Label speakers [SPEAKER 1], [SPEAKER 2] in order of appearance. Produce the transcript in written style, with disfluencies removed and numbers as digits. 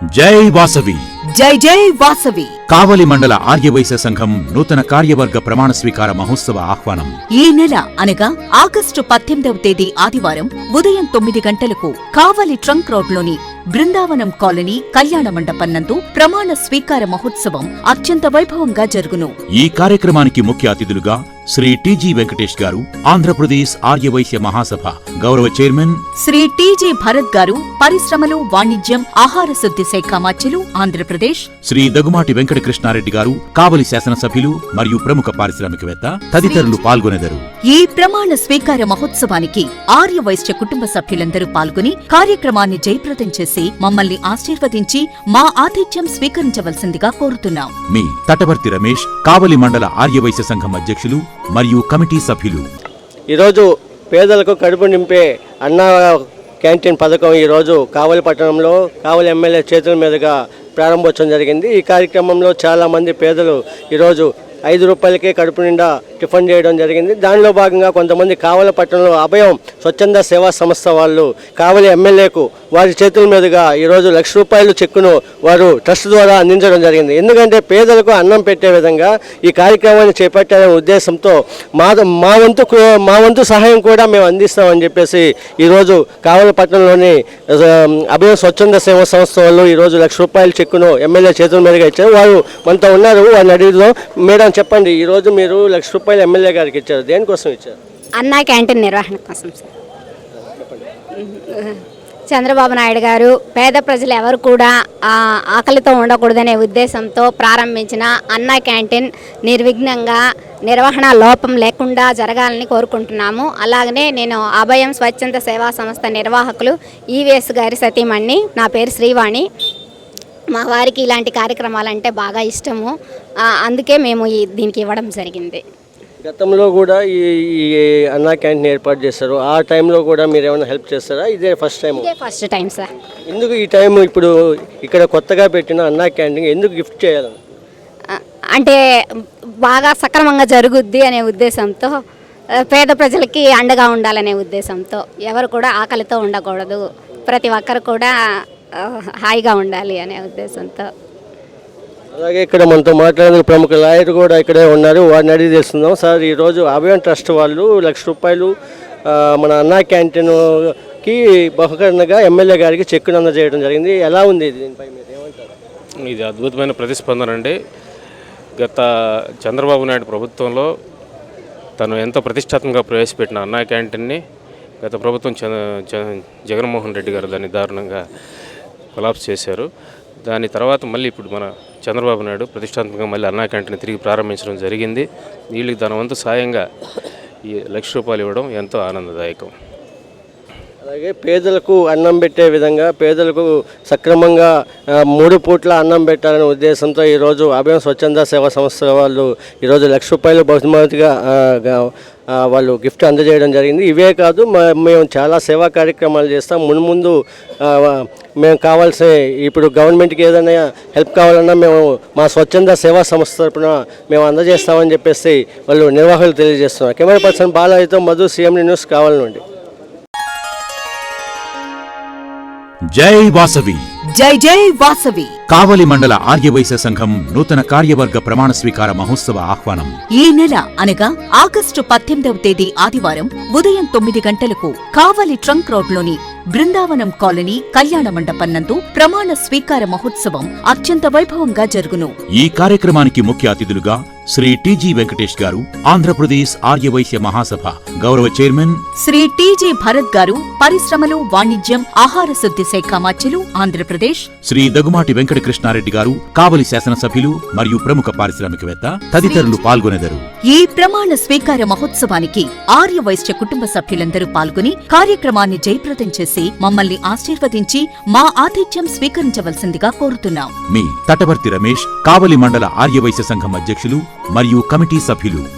[SPEAKER 1] జై వాసవి
[SPEAKER 2] జై జై వాసవి.
[SPEAKER 1] కావలి మండల ఆర్యవైశ్య సంఘం నూతన కార్యవర్గ ప్రమాణ స్వీకార మహోత్సవ ఆహ్వానం
[SPEAKER 2] ఈ నెల అనగా ఆగస్టు 18వ తేదీ ఆదివారం ఉదయం 9 గంటలకు కావలి ట్రంక్ రోడ్లోని బృందావనం కాలనీ కళ్యాణ మండపం నందు ప్రమాణ స్వీకార మహోత్సవం అత్యంత వైభవంగా జరుగును.
[SPEAKER 1] ఈ కార్యక్రమానికి ముఖ్య అతిథులుగా శ్రీ టిజి వెంకటేష్ గారు, ఆంధ్రప్రదేశ్ ఆర్యవైశ్య మహాసభ గౌరవ చైర్మన్,
[SPEAKER 2] శ్రీ టిజి భరత్ గారు, పరిశ్రమలు, వాణిజ్యం, ఆహార శుద్ధి శాఖ మాత్యులు ఆంధ్రప్రదేశ్,
[SPEAKER 1] శ్రీ దగుమాటి వెంకట కృష్ణారెడ్డి గారు, కావలి శాసనసభ్యులు మరియు ప్రముఖ పారిశ్రామికవేత్త తదితరులు పాల్గొనెదరు.
[SPEAKER 2] ఈ ప్రమాణ స్వీకార మహోత్సవానికి ఆర్యవైశ్య కుటుంబ సభ్యులందరూ పాల్గొని కార్యక్రమాన్ని జయప్రదం చేసి మమ్మల్ని ఆశీర్వదించి మా ఆతిథ్యం స్వీకరించవలసిందిగా కోరుతున్నాం.
[SPEAKER 1] మీ తటవర్తి రమేష్, కావలి మండల ఆర్యవైశ్య సంఘం అధ్యక్షులు మరియు కమిటీ సభ్యులు.
[SPEAKER 3] ఈరోజు పేదలకు కడుపు నింపే అన్న క్యాంటీన్ పథకం ఈరోజు కావలి పట్టణంలో కావలి ఎమ్మెల్యే చేతుల మీదుగా ప్రారంభోత్సవం జరిగింది. ఈ కార్యక్రమంలో చాలామంది పేదలు ఈరోజు 5 రూపాయలకే కడుపు నిండా టిఫిన్ చేయడం జరిగింది. దానిలో భాగంగా కొంతమంది కావలి పట్టణంలో అభయం స్వచ్ఛంద సేవా సంస్థ వాళ్ళు కావలి ఎమ్మెల్యేకు వారి చేతుల మీదుగా ఈరోజు ₹1,00,000 చెక్కును వారు ట్రస్ట్ ద్వారా అందించడం జరిగింది. ఎందుకంటే పేదలకు అన్నం పెట్టే విధంగా ఈ కార్యక్రమాన్ని చేపట్టాలనే ఉద్దేశంతో మా వంతు సహాయం కూడా మేము అందిస్తామని చెప్పేసి ఈరోజు కావలి పట్టణంలోని అభయం స్వచ్ఛంద సేవా సంస్థ వాళ్ళు ఈరోజు ₹1,00,000 చెక్కును ఎమ్మెల్యే చేతుల మీదుగా ఇచ్చారు. వారు మనతో ఉన్నారు, వారిని అడిగిదాం. మేడం చెప్పండి, ఈరోజు మీరు ₹1,00,000 ఎమ్మెల్యే గారికి ఇచ్చారు, దేనికోసం ఇచ్చారు?
[SPEAKER 4] అన్నా క్యాంటీన్ నిర్వహణ కోసం సార్. చంద్రబాబు నాయుడు గారు పేద ప్రజలు ఎవరు కూడా ఆకలితో ఉండకూడదనే ఉద్దేశంతో ప్రారంభించిన అన్నా క్యాంటీన్ నిర్విఘ్నంగా నిర్వహణ లోపం లేకుండా జరగాలని కోరుకుంటున్నాము. అలాగనే నేను అభయం స్వచ్ఛంద సేవా సంస్థ నిర్వాహకులు ఈవీఎస్ గారి సతీమణి, నా పేరు శ్రీవాణి. మా వారికి ఇలాంటి కార్యక్రమాలంటే బాగా ఇష్టము, అందుకే మేము దీనికి ఇవ్వడం జరిగింది.
[SPEAKER 3] గతంలో కూడా ఈ అన్నా క్యాంటీన్ ఏర్పాటు చేస్తారు, ఆ టైంలో కూడా మీరు ఏమైనా హెల్ప్ చేస్తారా? ఇదే ఫస్ట్ టైం?
[SPEAKER 4] ఇదే ఫస్ట్ టైం సార్.
[SPEAKER 3] ఎందుకు ఈ టైం ఇప్పుడు ఇక్కడ కొత్తగా పెట్టిన అన్నా క్యాంటీన్ ఎందుకు గిఫ్ట్ చేయాలని?
[SPEAKER 4] అంటే బాగా సక్రమంగా జరుగుద్ది అనే ఉద్దేశంతో, పేద ప్రజలకి అండగా ఉండాలనే ఉద్దేశంతో, ఎవరు కూడా ఆకలితో ఉండకూడదు, ప్రతి ఒక్కరు కూడా హాయిగా ఉండాలి అనే ఉద్దేశంతో.
[SPEAKER 3] అలాగే ఇక్కడ మనతో మాట్లాడేందుకు ప్రముఖ లాయర్ కూడా ఇక్కడే ఉన్నారు, వారిని అడిగి తెలుస్తున్నాం. సార్, ఈరోజు అభయం ట్రస్ట్ వాళ్ళు ₹1,00,000 మన అన్నా క్యాంటీన్కి బహుకరణగా ఎమ్మెల్యే గారికి చెక్కును అందజేయడం జరిగింది. ఎలా ఉంది దీనిపై మీరు ఏమంటారు?
[SPEAKER 5] ఇది అద్భుతమైన ప్రతిస్పందన అండి. గత చంద్రబాబు నాయుడు ప్రభుత్వంలో తను ఎంతో ప్రతిష్టాత్మకంగా ప్రవేశపెట్టిన అన్నా క్యాంటీన్ని గత ప్రభుత్వం జగన్మోహన్ రెడ్డి గారు దాన్ని దారుణంగా కొలాప్స్ చేశారు. దాని తర్వాత మళ్ళీ ఇప్పుడు మన చంద్రబాబు నాయుడు ప్రతిష్టాత్మకంగా మళ్ళీ అన్నా క్యాంటీన్ తిరిగి ప్రారంభించడం జరిగింది. వీళ్ళకి దాని వంతు సాయంగా ఈ ₹1,00,000 ఇవ్వడం ఎంతో ఆనందదాయకం.
[SPEAKER 3] అలాగే పేదలకు అన్నం పెట్టే విధంగా, పేదలకు సక్రమంగా 3 పూట్ల అన్నం పెట్టాలనే ఉద్దేశంతో ఈరోజు అభయం స్వచ్ఛంద సేవా సంస్థ వాళ్ళు ఈరోజు ₹1,00,000 బహుమతిగా వాళ్ళు గిఫ్ట్ అందజేయడం జరిగింది. ఇవే కాదు, మేము చాలా సేవా కార్యక్రమాలు చేస్తాం. ముందు మేము కావాల్సిన, ఇప్పుడు గవర్నమెంట్కి ఏదైనా హెల్ప్ కావాలన్నా మేము మా స్వచ్ఛంద సేవా సంస్థ తరపున మేము అందజేస్తామని చెప్పేసి వాళ్ళు నిర్వాహకులు తెలియజేస్తున్నారు. కెమెరా పర్సన్ బాలాజీతో మధు, CMD న్యూస్, కావాలి నుండి.
[SPEAKER 1] జై వాసవి
[SPEAKER 2] జై జై వాసవి.
[SPEAKER 1] కావలి మండల ఆర్యవైశ్య సంఘం నూతన కార్యవర్గ ప్రమాణ స్వీకార మహోత్సవ ఆహ్వానం
[SPEAKER 2] ఈ నెల అనగా ఆగస్టు 18వ తేదీ ఆదివారం ఉదయం 9 గంటలకు కావలి ట్రంక్ రోడ్లోని బృందావనం కాలనీ కళ్యాణ మండపం నందు ప్రమాణ స్వీకార మహోత్సవం అత్యంత వైభవంగా జరుగును.
[SPEAKER 1] ఈ కార్యక్రమానికి ముఖ్య అతిథులుగా శ్రీ టిజి వెంకటేష్ గారు, ఆంధ్రప్రదేశ్ ఆర్యవైశ్య మహాసభ గౌరవ చైర్మన్,
[SPEAKER 2] శ్రీ టిజి భరత్ గారు, పరిశ్రమలు, వాణిజ్యం, ఆహార శుద్ధి శాఖ మాత్యులు ఆంధ్రప్రదేశ్,
[SPEAKER 1] శ్రీ దగుమాటి వెంకట కృష్ణారెడ్డి గారు, కావలి శాసనసభ్యులు మరియు ప్రముఖ పారిశ్రామికవేత్త తదితరులు పాల్గొనెదరు.
[SPEAKER 2] ఈ ప్రమాణ స్వీకార మహోత్సవానికి ఆర్యవైశ్య కుటుంబ సభ్యులందరూ పాల్గొని కార్యక్రమాన్ని జయప్రదం చేసి మమ్మల్ని ఆశీర్వదించి మా ఆతిథ్యం స్వీకరించవలసిందిగా కోరుతున్నాం.
[SPEAKER 1] మీ తటవర్తి రమేష్, కావలి మండల ఆర్యవైశ్య సంఘం అధ్యక్షులు మరియు కమిటీ సభ్యులు.